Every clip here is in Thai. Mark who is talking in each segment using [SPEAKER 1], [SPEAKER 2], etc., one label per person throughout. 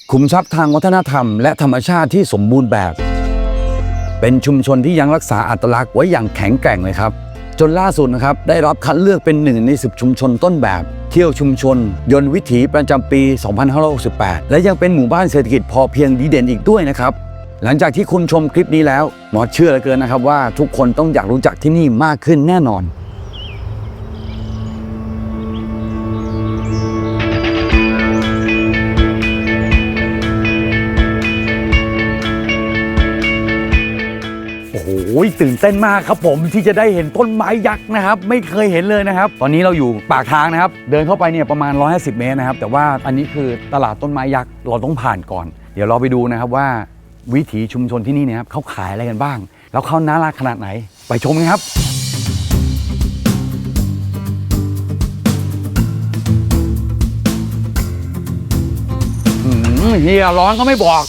[SPEAKER 1] ขุมทรัพย์ทางวัฒนธรรมและธรรมชาติที่สมบูรณ์แบบเป็นชุมชนที่ยังรักษาอัตลักษณ์ไว้อย่างแข็งแกร่งเลยครับจนล่าสุดนะครับได้รับคัดเลือกเป็น1 ใน 10 ชุมชนต้นแบบเที่ยวชุมชนยนต์วิถีประจำปี 2568 และยังเป็นหมู่บ้านเศรษฐกิจพอเพียงดีเด่นอีกด้วยนะครับหลังจากที่คุณชมคลิปนี้แล้วหมอเชื่อเหลือเกินนะครับว่าทุกคนต้องอยากรู้จักที่นี่มากขึ้นแน่นอนโอ้ยตื่นเต้นมากครับผมที่จะได้เห็นต้นไม้ยักษ์นะครับไม่เคยเห็นเลยนะครับตอนนี้เราอยู่ปากทางนะครับเดินเข้าไปเนี่ยประมาณ150 เมตรนะครับแต่ว่าอันนี้คือตลาดต้นไม้ยักษ์เราต้องผ่านก่อนเดี๋ยวเราไปดูนะครับว่าวิถีชุมชนที่นี่เนี่ยครับเขาขายอะไรกันบ้างแล้วเขาน่ารักขนาดไหนไปชมกันครับเฮียร้อนก็ไม่บอก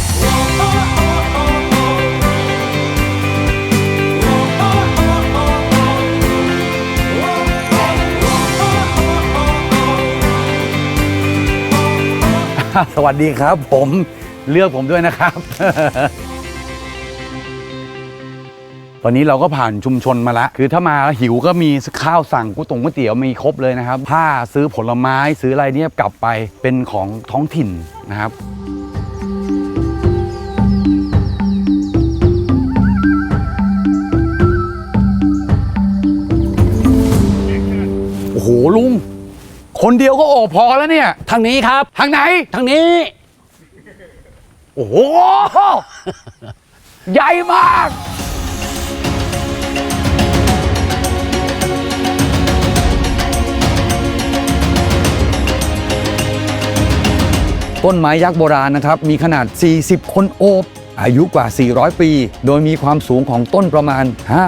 [SPEAKER 1] สวัสดีครับผมเลือกผมด้วยนะครับ ตอนนี้เราก็ผ่านชุมชนมาแล้วคือถ้ามาหิวก็มีข้าวสั่งก๋วยเตี๋ยวมีครบเลยนะครับผ้าซื้อผลไม้ซื้ออะไรเนี่ยกลับไปเป็นของท้องถิ่นนะครับโอ้โหลุงคนเดียวก็โอ้พอแล้วเนี่ย
[SPEAKER 2] ทางนี้ครับ
[SPEAKER 1] ทางไหน
[SPEAKER 2] ทางนี้
[SPEAKER 1] โอ้โห ใหญ่มากต้นไม้ยักษ์โบราณนะครับมีขนาด40 คนโอบอายุกว่า400 ปีโดยมีความสูงของต้นประมาณ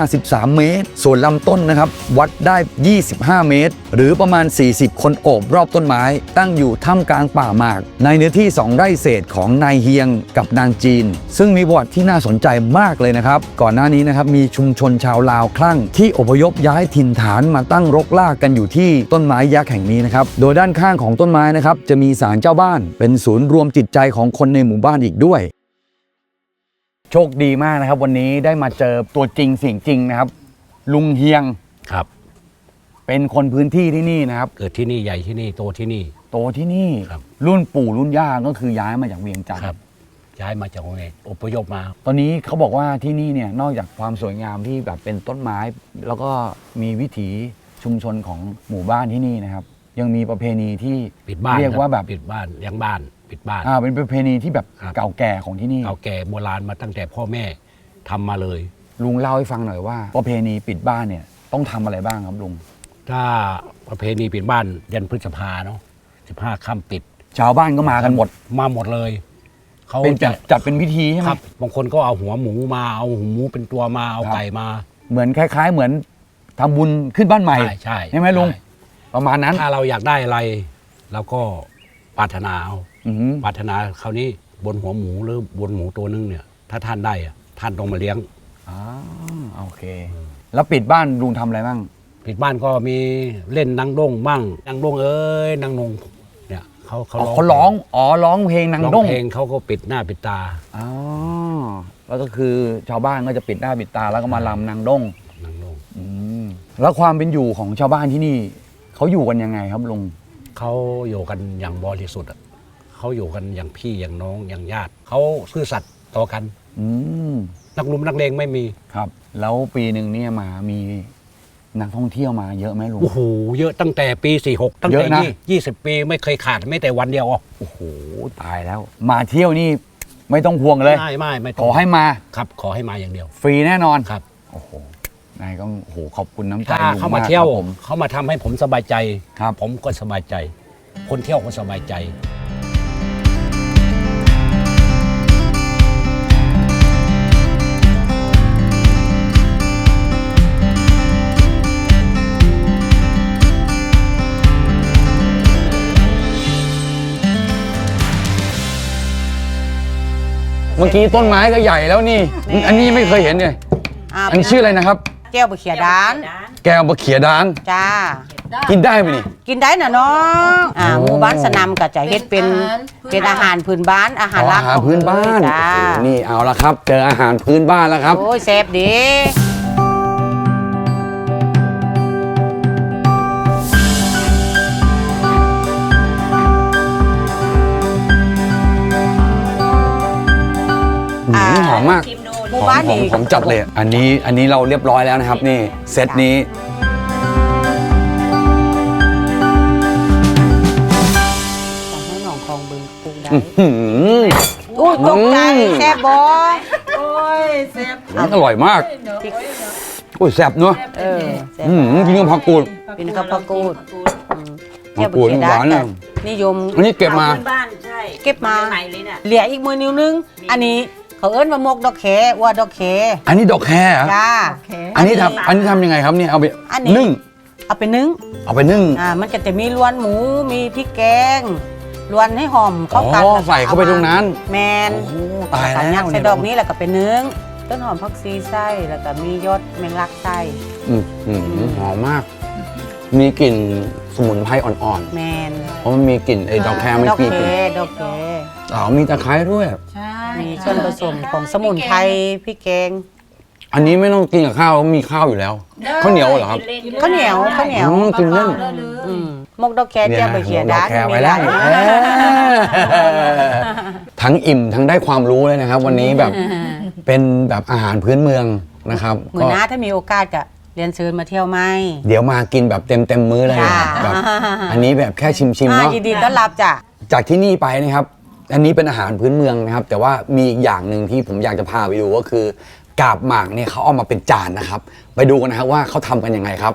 [SPEAKER 1] 53 เมตรส่วนลำต้นนะครับวัดได้25 เมตรหรือประมาณ40 คนโอบรอบต้นไม้ตั้งอยู่ท่ามกลางป่าหมากในเนื้อที่2 ไร่เศษของนายเฮียงกับนางจีนซึ่งมีประวัติที่น่าสนใจมากเลยนะครับก่อนหน้านี้นะครับมีชุมชนชาวลาวคลั่งที่อพยพย้ายถิ่นฐานมาตั้งรกรากกันอยู่ที่ต้นไม้ยักษ์แห่งนี้นะครับโดยด้านข้างของต้นไม้นะครับจะมีศาลเจ้าบ้านเป็นศูนย์รวมจิตใจของคนในหมู่บ้านอีกด้วยโชคดีมากนะครับวันนี้ได้มาเจอตัวจริงเสียงจริงนะครับลุงเฮียง
[SPEAKER 2] ครับ
[SPEAKER 1] เป็นคนพื้นที่ที่นี่นะครับ
[SPEAKER 2] เกิดที่นี่ใหญ่ที่นี่โตที่นี่
[SPEAKER 1] โตที่นี่รุ่นปู่รุ่นย่าก็คือย้ายมาจากเวียงจันทร์
[SPEAKER 2] ย้ายมาจากเวียงอพยพมา
[SPEAKER 1] ตอนนี้เขาบอกว่าที่นี่เนี่ยนอกจากความสวยงามที่แบบเป็นต้นไม้แล้วก็มีวิถีชุมชนของหมู่บ้านที่นี่นะครับยังมีประเพณีที่
[SPEAKER 2] ปิดบ้าน
[SPEAKER 1] เรียกว่าแบบ
[SPEAKER 2] ปิดบ้านยังบ้านปิดบ้าน
[SPEAKER 1] เป็นประเพณีที่แบบเก่าแก่ของที่นี่
[SPEAKER 2] เก่าแก่โบราณมาตั้งแต่พ่อแม่ทำมาเลย
[SPEAKER 1] ลุงเล่าให้ฟังหน่อยว่าประเพณีปิดบ้านเนี่ยต้องทำอะไรบ้างครับลุง
[SPEAKER 2] ถ้าประเพณีปิดบ้านยันพฤษภาเนาะ15 ค่ำปิด
[SPEAKER 1] ชาวบ้านก็มากันหมด
[SPEAKER 2] มาหมดเลย
[SPEAKER 1] เขาเป็นจัดเป็นพิธีใช่ไหม
[SPEAKER 2] ครับบางคนก็เอาหัวหมูมาเอาหูหมูเป็นตัวมาเอาไก่มา
[SPEAKER 1] เหมือนคล้ายๆเหมือนทำบุญขึ้นบ้านใหม่ใช่ไหมลุงประมาณนั้น
[SPEAKER 2] ถ้าเราอยากได้อะไรเราก็ปรารถนาเอาปรารถนาคราวนี้บนหัวหมูหรือบนหมูตัวนึงเนี่ยถ้าท่านได้ท่านต้องมาเลี้ยง
[SPEAKER 1] โอเคแล้วปิดบ้านลุงทำอะไรบ้าง
[SPEAKER 2] ปิดบ้านก็มีเล่นนางด้งบ้างนางด้งนางนงเนี่ย
[SPEAKER 1] เขาร้องร้องเพลงนางด้ง
[SPEAKER 2] เพลงเขาก็ปิดหน้าปิดตา
[SPEAKER 1] แล้วก็คือชาวบ้านก็จะปิดหน้าปิดตาแล้วก็มารำนางด้งแล้วความเป็นอยู่ของชาวบ้านที่นี่เขาอยู่กันยังไงครับลุง
[SPEAKER 2] เขาอยู่กันอย่างบริสุทธิ์เขาอยู่กันอย่างพี่อย่างน้องอย่างญาติเขาซื่อสัตย์ต่อกันนักลุมนักเลงไม่มี
[SPEAKER 1] ครับแล้วปีหนึ่งเนี่ยมีนักท่องเที่ยวมาเยอะไหมลุง
[SPEAKER 2] โอ้โหเยอะตั้งแต่ปี46ตั้งแต่20 ปีไม่เคยขาดไม่แต่วันเดียว
[SPEAKER 1] โอ้โหตายแล้วมาเที่ยวนี่ไม่ต้องห่วงเลย
[SPEAKER 2] ไม่
[SPEAKER 1] ขอให้มา
[SPEAKER 2] ครับขอให้มาอย่างเดียว
[SPEAKER 1] ฟรีแน่นอน
[SPEAKER 2] ครับ
[SPEAKER 1] โอ้โหนายก็โหขอบคุณน้ำใจ
[SPEAKER 2] ลุงมากเขามาเที่ยวเขามาทำให้ผมสบายใจครับผมก็สบายใจคนเที่ยวก็สบายใจ
[SPEAKER 1] เมื่อกี้ต้นไม้ก็ใหญ่แล้วนี่อันนี้ไม่เคยเห็นเลยอันนี้ชื่ออะไรนะครับ
[SPEAKER 3] แก้วบะเขียดาน
[SPEAKER 1] แก้วบะเขียดาน
[SPEAKER 3] จ้า
[SPEAKER 1] กินได้ไหมนี่
[SPEAKER 3] กินได้นะน้องหมู่บ้านสนามก็จะเฮ็ดเป็นอาหารพื้นบ้านอาหารหลัก
[SPEAKER 1] อาหารพื้นบ้าน
[SPEAKER 3] จ้า
[SPEAKER 1] โอ้โหนี่เอาละครับ เจออาหารพื้นบ้านแล้วครับ
[SPEAKER 3] โอ้ยแซ่บดี
[SPEAKER 1] หอมมาก
[SPEAKER 3] หมู่บ้านนี่
[SPEAKER 1] หอมจัดเลย อันนี้เราเรียบร้อยแล้วนะครับ นี่เซตนี้
[SPEAKER 3] ให้หนองคลองบึงปลูกได้
[SPEAKER 1] อื้อหือ
[SPEAKER 3] อุ้ยตกใจ
[SPEAKER 1] อืม
[SPEAKER 3] แซ่บบ่
[SPEAKER 4] โอ้ยแซ่บ
[SPEAKER 1] อร่อยมาก
[SPEAKER 3] พริก
[SPEAKER 1] โอ้ยแซ่บเนอะ
[SPEAKER 3] แซ่บ
[SPEAKER 1] กินกับผักกูด
[SPEAKER 3] เป็นข้าวผักกูด
[SPEAKER 1] ผักกูดหวานนะ
[SPEAKER 3] นิยม
[SPEAKER 1] อันนี้เก็บมา
[SPEAKER 4] บ้านใช่
[SPEAKER 3] เก็บมา
[SPEAKER 4] ใหม่เลยน่ะ
[SPEAKER 3] เหลืออีกมือนิ้วนึง อันนี้เขาเอิ้นว่ามกดอกแขว่าดอกแข
[SPEAKER 1] อันนี้ดอกแคร์เหรอ
[SPEAKER 3] จ้า
[SPEAKER 1] อันนี้ทำยังไงครับเนี่ยเอาไป
[SPEAKER 3] อันนี้
[SPEAKER 1] นึ่ง
[SPEAKER 3] เอาไปนึ่ง
[SPEAKER 1] เอาไปนึ่ง
[SPEAKER 3] มันก็จะมีล้วนหมูมีพริกแกงล้วนให้หอมเข้ากัน
[SPEAKER 1] อ๋อ
[SPEAKER 3] แล้วก็
[SPEAKER 1] ใส่เข้าไปตรงนั้น
[SPEAKER 3] แมน
[SPEAKER 1] โอ้ตาย
[SPEAKER 3] แล้วก็
[SPEAKER 1] แล้
[SPEAKER 3] ยั
[SPEAKER 1] ว
[SPEAKER 3] ดใส่ดอกนี้แล้วก็ไปนึ่งต้นหอมผักชีไส้แล้วก็มียอดแมงลักไส้
[SPEAKER 1] หอมมาก มีกลิ่นสมุนไพรอ่อน
[SPEAKER 3] แมน
[SPEAKER 1] ๆ เพราะมันมีกลิ่นไอ้ดอกแคร์มัน
[SPEAKER 3] ดอก
[SPEAKER 1] มี
[SPEAKER 3] แค
[SPEAKER 1] กลิ่น
[SPEAKER 3] ดอกแค
[SPEAKER 1] มีตะไคร้ด้วย
[SPEAKER 4] ใช่
[SPEAKER 3] มีส่วนผสมของสมุนไพรพริกแกง
[SPEAKER 1] อันนี้ไม่ต้องกินกับข้าวมีข้าวอยู่แล้วข้าวเหนียวเหรอครับ
[SPEAKER 3] ข้าวเหนียว
[SPEAKER 1] กินเล่น
[SPEAKER 3] มกดอกแคเจียวใบเขีย
[SPEAKER 1] ด
[SPEAKER 3] ด้า
[SPEAKER 1] อกแคร์ไว้แล้วทั้งอิ่มทั้งได้ความรู้เลยนะครับ วันนี้แบบเป็นแบบอาหารพื้นเมืองนะครับ
[SPEAKER 3] เหมือนหน้าถ้ามีโอกาสก็เรียนเชิญมาเที่ยวไหม
[SPEAKER 1] เดี๋ยวมากินแบบเต็มมื้อเลย
[SPEAKER 3] จ้า
[SPEAKER 1] แบบอันนี้แบบแค่ชิมๆเนาะ
[SPEAKER 3] ยินดีต้อนรับจ้ะ
[SPEAKER 1] จากที่นี่ไปนะครับ อันนี้เป็นอาหารพื้นเมืองนะครับ แต่ว่ามีอีกอย่างหนึ่งที่ผมอยากจะพาไปดูก็คือกาบหมากเนี่ยเขาเอามาเป็นจานนะครับ ไปดูกันนะครับว่าเขาทำกันยังไงครับ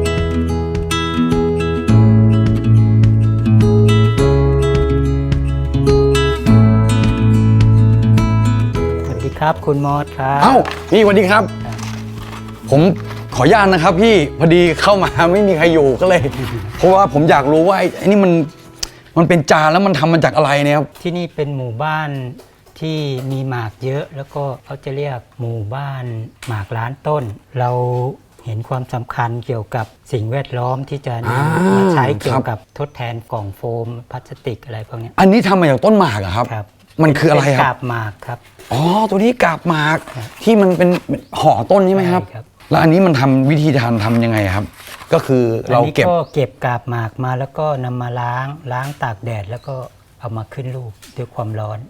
[SPEAKER 5] สวัสดีครับคุณมอสครับ
[SPEAKER 1] เอ้าพี่สวัสดีครับ ผมขออนุญาตนะครับพี่พอดีเข้ามาไม่มีใครอยู่ก็เลย เพราะว่าผมอยากรู้ว่าไอ้นี่มันเป็นจานแล้วมันทำมาจากอะไรเนี่ยครับ
[SPEAKER 5] ที่นี่เป็นหมู่บ้านที่มีหมากเยอะแล้วก็เขาจะเรียกหมู่บ้านหมากล้านต้น เราเห็นความสำคัญเกี่ยวกับสิ่งแวดล้อมที่จะนำมาใช้เกี่ยวกับทดแทนกล่องโฟมพลาสติกอะไรพวกเนี้ย
[SPEAKER 1] อันนี้ทำมาจากต้นหมากเหรอครับ
[SPEAKER 5] ครับ
[SPEAKER 1] มันคืออะไรค
[SPEAKER 5] เป็น
[SPEAKER 1] รั
[SPEAKER 5] กา
[SPEAKER 1] บ
[SPEAKER 5] บหมากครับ
[SPEAKER 1] อ๋อตัวนี้กาบหมากที่มันเป็นห่อต้นใช่ไหมครับ
[SPEAKER 5] ใช่ครับ
[SPEAKER 1] แล้วอันนี้มันทำวิธีการทำยังไงครับ ก็คือเรา
[SPEAKER 5] อันนี้
[SPEAKER 1] เก็บ
[SPEAKER 5] ก็เก็บกาบหมากมาแล้วก็นำมาล้างตากแดดแล้วก็เอามาขึ้นรูปด้วยความร้อน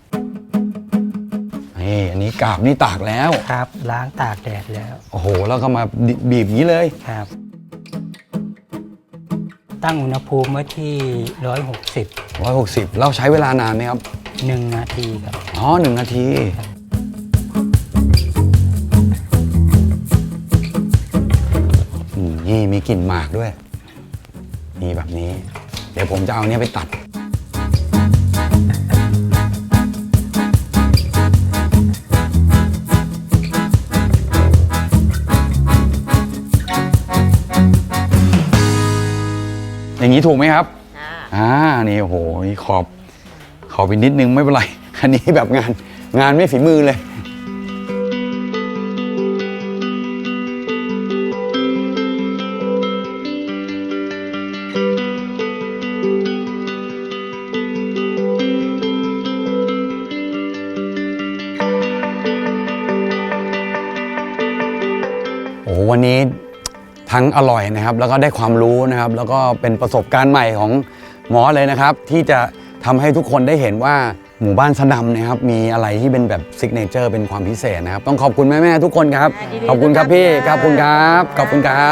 [SPEAKER 1] นี่อันนี้กาบนี่ตากแล้ว
[SPEAKER 5] ครับล้างตากแดดแล้ว
[SPEAKER 1] โอ้โหแล้วก็มาบีบอย่างนี้เลย
[SPEAKER 5] ครับ ตั้งอุณหภูมิไว้ที่160
[SPEAKER 1] 160เราใช้เวลานานไหมครับ
[SPEAKER 5] 1 นาทีครับ
[SPEAKER 1] อ๋อ1 นาทีนี่มีกลิ่นหมากด้วยนี่แบบนี้ เดี๋ยวผมจะเอาเนี้ยไปตัด อย่างนี้ถูกไหมครับ นี่โอ้โหนี่ขอบไปนิดนึงไม่เป็นไร อันนี้แบบงานไม่ฝีมือเลย โอ้โหวันนี้ทั้งอร่อยนะครับ แล้วก็ได้ความรู้นะครับ แล้วก็เป็นประสบการณ์ใหม่ของหมอเลยนะครับ ที่จะทำให้ทุกคนได้เห็นว่าหมู่บ้านสะดำนะครับ มีอะไรที่เป็นแบบซิกเนเจอร์เป็นความพิเศษนะครับ ต้องขอบคุณแม่ๆทุกคนครับ ขอบคุณครับพี่ขอบคุณครับขอบคุณครับ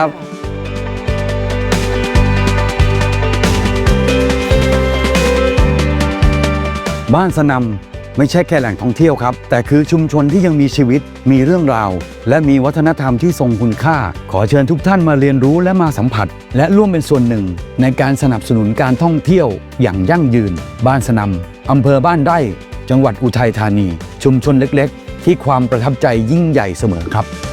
[SPEAKER 1] บ้านสะนำไม่ใช่แค่แหล่งท่องเที่ยวครับ แต่คือชุมชนที่ยังมีชีวิตมีเรื่องราว และมีวัฒนธรรมที่ทรงคุณค่า ขอเชิญทุกท่านมาเรียนรู้และมาสัมผัส และร่วมเป็นส่วนหนึ่งในการสนับสนุนการท่องเที่ยวอย่างยั่งยืน บ้านสะนำอำเภอบ้านไร่จังหวัดอุทัยธานี ชุมชนเล็กๆ ที่ความประทับใจยิ่งใหญ่เสมอครับ